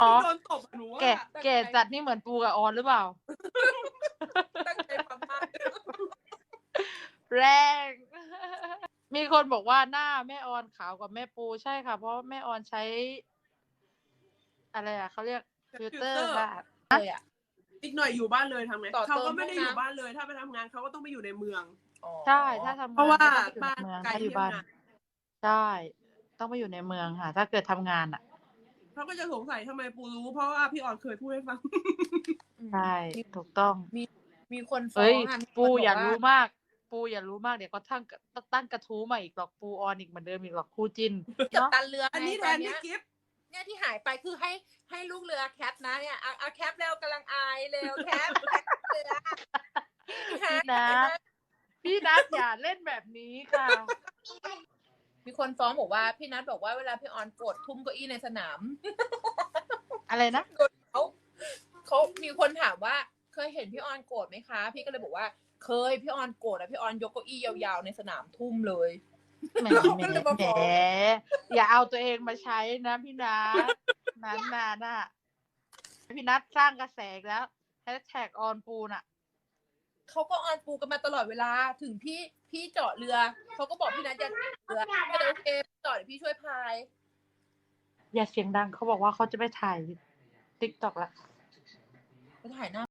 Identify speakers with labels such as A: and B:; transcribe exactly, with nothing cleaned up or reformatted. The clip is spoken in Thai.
A: อ๋อ
B: ที่โดนตบอะหนูว่า
A: แก่แก่จัดนี่เหมือนปูกับออนหรือเปล่า
C: ตั้งใจฟังมาก
A: แรง มีคนบอกว่าหน้าแม่ออนขาวกว่าแม่ปูใช่ค่ะ เพราะแม่ออนใช้ อะไรอ่ะเขาเรียกฟิลเตอร์ค่ะ
C: เลยอ่ะ
B: อีกหน่อยอยู่บ้านเลยทำไง
C: ต่อเติม
B: เขาก็ไม่ได้
C: ห้องน้ำ
B: อยู่บ้านเลย ถ้าไปทำงานเขาก็ต้องไปอยู่ในเมือง
A: ใช่ถ้าทำงาน
B: เพราะว่า
A: ก็ต้องไปอยู่ในเมือง
B: บ้านไกล
A: ถ้าอยู่
B: ที่
A: บ้าน
B: ทำงาน
A: ใช่ ต้องไปอยู่ในเมืองค่ะ ถ้าเกิดทำงานอ่ะ
B: เขาก็จะสงสัยทำไมปูรู้ เพราะว่าพี่ออนเคยพูดให้ฟัง
A: ใช่ ถูกต้อง
C: มีมีคนฟ้อ
A: เฮ้ย
C: งอ่ะมีคน
A: ปู
C: บก
A: อย่า
C: ว่
A: รู้มาก ปูอย่ารู้มากเดี๋ยวก็ตั้งตั้งกระทู้มาอีกหรอกปูออนอีกเหมือนเดิมอีกหรอกคู่จิ้น
C: กับ
A: เนาะ
C: ตันเรือ
B: อันนี้
C: ไง
B: แท
C: ตอน
B: น
C: เนี้
B: พี่
C: ย
B: กิฟต์
C: เนี่ยที่หายไปคือให้ให้ลูกเรือแคปนะเนี่ยเอาเอาแคปเร็วกำลังอายเร็วแคปแคปเรือ
A: พี่นัท พี่นัทอย่าเล่นแบบนี้ค่ะ
C: มีคนฟ้องบอกว่าพี่นัทบอกว่าเวลาพี่ออนกดทุ่มเก้าอี้ในสนาม
A: อะไรนะ
C: เขาเขามีคนถามว่าเคยเห็นพี่ออนโกรธไหมคะ พี่ก็เลยบอกว่าเคยพี่ออนโกรธแล้วพี่ออนยกเก้าอี้ยาวๆในสนามทุ่มเลย
A: แหม
C: เราก็
A: แหม
C: เลยมา
A: แหม
C: ฟ้อง
A: อย่าเอาตัวเองมาใช้นะพี่นัทนั้นนาน่ะพี่นัทสร้างกระแสอีกแล้วแฮชแท็กออนปูน่ะ
C: เขาก็ออนปูกันมาตลอดเวลาถึงพี่พี่เจาะเรือเขาก็บอกพี่นัทจะเรือก็เลยโอเคเจาะเดี๋ยวพี่ช่วยพาย
A: อย่าเสียงดังเขาบอกว่าเขาจะไปถ่ายติ๊กต็อกละ
C: ไปถ่ายหน้า